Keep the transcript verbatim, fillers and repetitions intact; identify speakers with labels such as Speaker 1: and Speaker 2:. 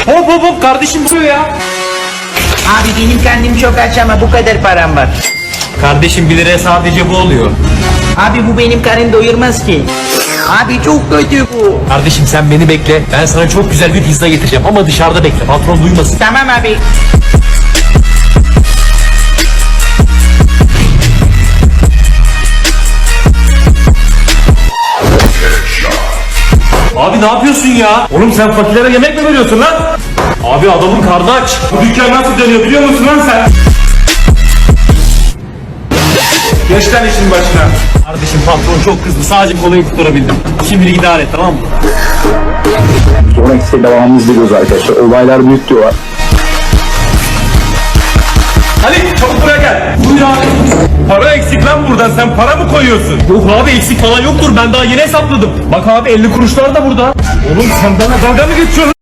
Speaker 1: Hop hop hop kardeşim vuruyor ya.
Speaker 2: Abi benim karnım çok aç ama bu kadar param var.
Speaker 1: Kardeşim bir liraya sadece bu oluyor.
Speaker 2: Abi bu benim karnım doyurmaz ki. Abi çok kötü bu.
Speaker 1: Kardeşim sen beni bekle. Ben sana çok güzel bir pizza getireceğim ama dışarıda bekle. Patron duymasın.
Speaker 2: Tamam abi.
Speaker 1: Abi ne yapıyorsun ya? Oğlum sen fakirlere yemek mi veriyorsun lan? Abi adamın karnı aç. Bu dükkan nasıl dönüyor biliyor musun lan sen? Geç lan işin başına. Kardeşim patron çok kızdı. Sadece kolayı tutturabildim. Şimdilik idare et, tamam mı?
Speaker 3: Sonraki sene devamını izliyoruz arkadaşlar. Olaylar büyük diyorlar.
Speaker 1: Ali çabuk buraya gel. Buyur abi. Para eksik lan buradan. Sen para mı koyuyorsun? Yok abi eksik falan yoktur. Ben daha yeni hesapladım. Bak abi elli kuruşlar da burada. Oğlum sen bana dalga mı geçiyorsun?